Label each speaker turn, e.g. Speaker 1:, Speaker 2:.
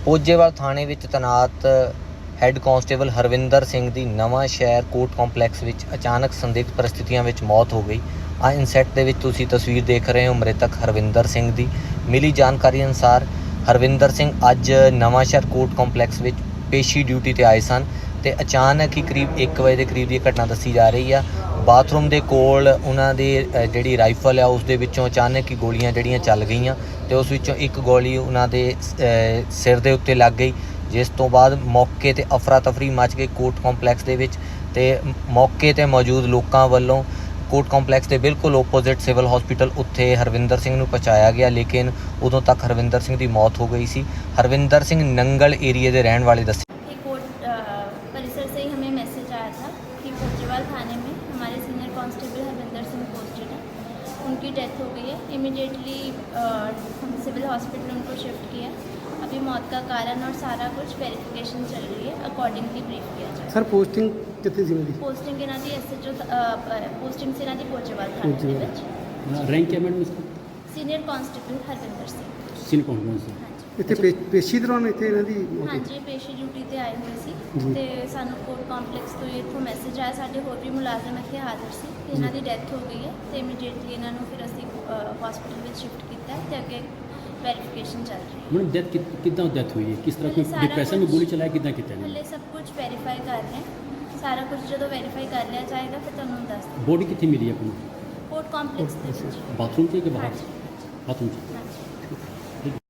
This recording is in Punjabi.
Speaker 1: ਪੋਜੇਵਾਲ ਥਾਣੇ ਵਿੱਚ ਤੈਨਾਤ ਹੈੱਡ ਕਾਂਸਟੇਬਲ ਹਰਵਿੰਦਰ ਸਿੰਘ ਦੀ ਨਵਾਂ ਸ਼ਹਿਰ ਕੋਰਟ ਕੰਪਲੈਕਸ ਵਿੱਚ ਅਚਾਨਕ ਸੰਦਿਗਧ ਪਰਿਸਥਿਤੀਆਂ ਵਿੱਚ ਮੌਤ ਹੋ ਗਈ। ਇਨਸੈਟ ਦੇ ਵਿੱਚ ਤੁਸੀਂ ਤਸਵੀਰ ਦੇਖ ਰਹੇ ਹੋ ਮ੍ਰਿਤਕ ਹਰਵਿੰਦਰ ਸਿੰਘ ਦੀ। ਮਿਲੀ ਜਾਣਕਾਰੀ ਅਨੁਸਾਰ ਹਰਵਿੰਦਰ ਸਿੰਘ ਅੱਜ ਨਵਾਂ ਸ਼ਹਿਰ ਕੋਰਟ ਕੰਪਲੈਕਸ ਵਿੱਚ ਪੇਸ਼ੀ ਡਿਊਟੀ 'ਤੇ ਆਏ ਸਨ ਅਤੇ ਅਚਾਨਕ ਹੀ ਕਰੀਬ 1 ਵਜੇ ਦੇ ਕਰੀਬ ਦੀ ਘਟਨਾ ਦੱਸੀ ਜਾ ਰਹੀ ਆ। ਬਾਥਰੂਮ ਦੇ ਕੋਲ ਉਹਨਾਂ ਦੀ ਜਿਹੜੀ ਰਾਈਫਲ ਆ ਉਸ ਦੇ ਵਿੱਚੋਂ ਅਚਾਨਕ ਹੀ ਗੋਲੀਆਂ ਜਿਹੜੀਆਂ ਚੱਲ ਗਈਆਂ ਅਤੇ ਉਸ ਵਿੱਚੋਂ ਇੱਕ ਗੋਲੀ ਉਹਨਾਂ ਦੇ ਸਿਰ ਦੇ ਉੱਤੇ ਲੱਗ ਗਈ, ਜਿਸ ਤੋਂ ਬਾਅਦ ਮੌਕੇ 'ਤੇ ਅਫਰਾ ਤਫਰੀ ਮਚ ਗਈ ਕੋਰਟ ਕੰਪਲੈਕਸ ਦੇ ਵਿੱਚ। ਅਤੇ ਮੌਕੇ 'ਤੇ ਮੌਜੂਦ ਲੋਕਾਂ ਵੱਲੋਂ ਕੋਰਟ ਕੰਪਲੈਕਸ ਦੇ ਬਿਲਕੁਲ ਓਪੋਜ਼ਿਟ ਸਿਵਲ ਹਸਪੀਟਲ ਉੱਥੇ ਹਰਵਿੰਦਰ ਸਿੰਘ ਨੂੰ ਪਹੁੰਚਾਇਆ ਗਿਆ, ਲੇਕਿਨ ਉਦੋਂ ਤੱਕ ਹਰਵਿੰਦਰ ਸਿੰਘ ਦੀ ਮੌਤ ਹੋ ਗਈ ਸੀ। ਹਰਵਿੰਦਰ ਸਿੰਘ ਨੰਗਲ ਏਰੀਏ ਦੇ ਰਹਿਣ ਵਾਲੇ ਦੱਸੇ।
Speaker 2: परिसर से ही हमें मैसेज आया था कि पचेवाल थाने में हमारे senior constable Harvinder Singh posted है, उनकी डेथ हो गई है। इमीडिएटली हम सिविल हॉस्पिटल उनको शिफ्ट किया। अभी मौत का कारण और सारा कुछ वेरिफिकेशन चल रही है, अकॉर्डिंगली ब्रीफ किया जाए।
Speaker 3: सर पोस्टिंग कितनी सी मिली?
Speaker 2: पोस्टिंग इन्हों की SHO पोस्टिंग से इन्हों पचेवाल थाने के विच।
Speaker 4: रैंक क्या मैडम इसका?
Speaker 2: Senior constable Harvinder Singh.
Speaker 4: Senior कौन से?
Speaker 3: ਇੱਥੇ ਪੇਸ਼ੀ ਦੌਰਾਨ ਇੱਥੇ ਇਹਨਾਂ ਦੀ ਮੌਤ ਹੋਈ?
Speaker 2: ਹਾਂਜੀ, ਪੇਸ਼ੀ ਡਿਊਟੀ ਤੇ ਆਏ ਹੋਏ ਸੀ
Speaker 3: ਜੀ।
Speaker 2: ਤੇ ਸਾਨੂੰ ਕੋਰਟ ਕੰਪਲੈਕਸ ਤੋਂ ਇੱਥੋਂ ਮੈਸੇਜ ਆਇਆ। ਸਾਡੇ ਹੋਰ ਵੀ ਮੁਲਾਜ਼ਮ ਇੱਥੇ ਹਾਜ਼ਰ ਸੀ ਕਿ ਇਹਨਾਂ ਦੀ ਡੈਥ ਹੋ ਗਈ ਹੈ ਤੇ ਇਮੀਡੀਏਟਲੀ ਇਹਨਾਂ ਨੂੰ ਫਿਰ ਅਸੀਂ ਹਸਪੀਟਲ ਵਿੱਚ ਸ਼ਿਫਟ ਕੀਤਾ ਹੈ ਤੇ ਅੱਗੇ ਵੈਰੀਫਿਕੇਸ਼ਨ ਚੱਲ ਰਹੀ ਹੈ।
Speaker 4: मैडम डेथ कितना डेथ हुई है, किस तरह
Speaker 2: हले
Speaker 4: कोई
Speaker 2: सारा
Speaker 4: डिप्रेशन में
Speaker 2: कुछ-
Speaker 4: गोली चलाया, कितना कितना
Speaker 2: ਹਲੇ ਸਭ ਕੁਝ ਵੈਰੀਫਾਈ ਕਰ ਰਹੇ ਹਾਂ। ਸਾਰਾ ਕੁਝ ਜਦੋਂ ਵੈਰੀਫਾਈ ਕਰ ਲਿਆ ਜਾਏਗਾ ਫਿਰ ਤੁਹਾਨੂੰ ਦੱਸ ਦਿਆਂਗੇ।
Speaker 4: बॉडी कितनी मिली है अपनी?
Speaker 2: ਕੋਰਟ ਕੰਪਲੈਕਸ ਦੇ ਵਿੱਚ।
Speaker 4: बाथरूम से कि बाहर?
Speaker 2: ਹਾਂਜੀ
Speaker 4: बाथरूम से।
Speaker 2: ਹਾਂਜੀ।